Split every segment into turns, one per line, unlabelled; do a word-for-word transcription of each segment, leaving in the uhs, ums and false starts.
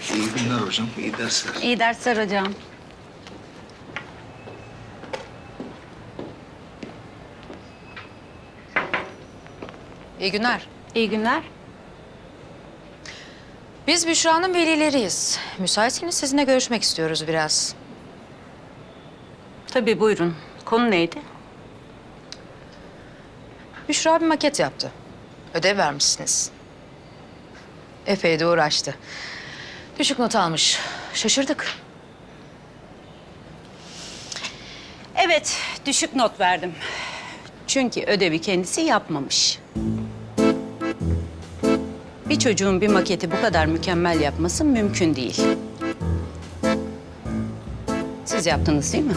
İyi günler hocam, iyi dersler.
İyi dersler hocam.
İyi günler.
İyi günler.
Biz Büşra'nın velileriyiz. Müsaitseniz sizinle görüşmek istiyoruz biraz.
Tabii buyurun. Konu neydi?
Büşra bir maket yaptı. Ödev vermişsiniz. Epey de uğraştı. Düşük not almış. Şaşırdık.
Evet, düşük not verdim. Çünkü ödevi kendisi yapmamış. Bir çocuğun bir maketi bu kadar mükemmel yapması mümkün değil. Siz yaptınız değil mi?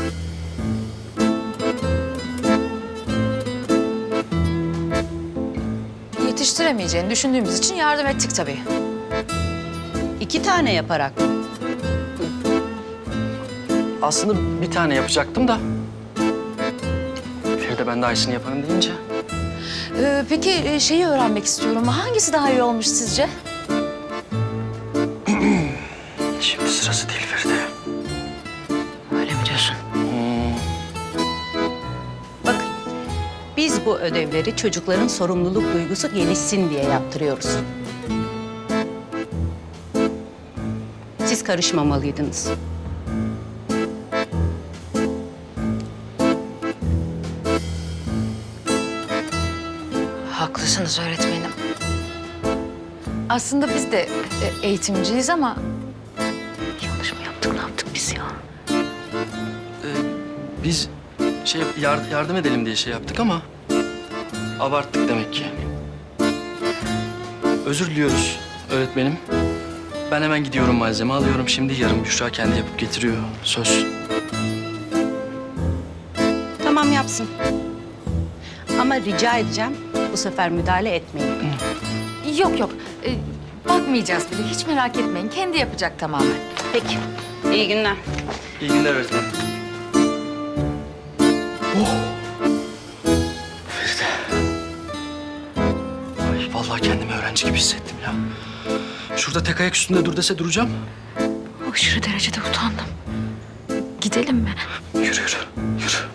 Yetiştiremeyeceğini düşündüğümüz için yardım ettik tabii.
İki tane yaparak mı?
Aslında bir tane yapacaktım da. Feride ben de Ayşe'nin yaparım deyince.
Ee, peki e, şeyi öğrenmek istiyorum. Hangisi daha iyi olmuş sizce?
Şimdi sırası değil Feride.
Öyle mi diyorsun?
Bakın, biz bu ödevleri çocukların sorumluluk duygusu gelişsin diye yaptırıyoruz. Siz karışmamalıydınız.
Haklısınız öğretmenim. Aslında biz de e, eğitimciyiz ama... Yanlış mı yaptık, ne yaptık biz ya?
Ee, biz şey yar- yardım edelim diye şey yaptık ama abarttık demek ki. Özür diliyoruz öğretmenim. Ben hemen gidiyorum, malzeme alıyorum. Şimdi yarın Büşra kendi yapıp getiriyor. Söz.
Tamam yapsın. Ama rica edeceğim bu sefer müdahale etmeyin.
Yok yok, e, bakmayacağız bile. Hiç merak etmeyin, kendi yapacak tamamen.
Peki, iyi günler.
İyi günler öğretmenim. Oh! Feride. Ay vallahi kendimi öğrenci gibi hissettim ya. Şurada tek ayak üstünde dur dese duracağım.
Aşırı derecede utandım. Gidelim mi?
Yürü yürü, yürü.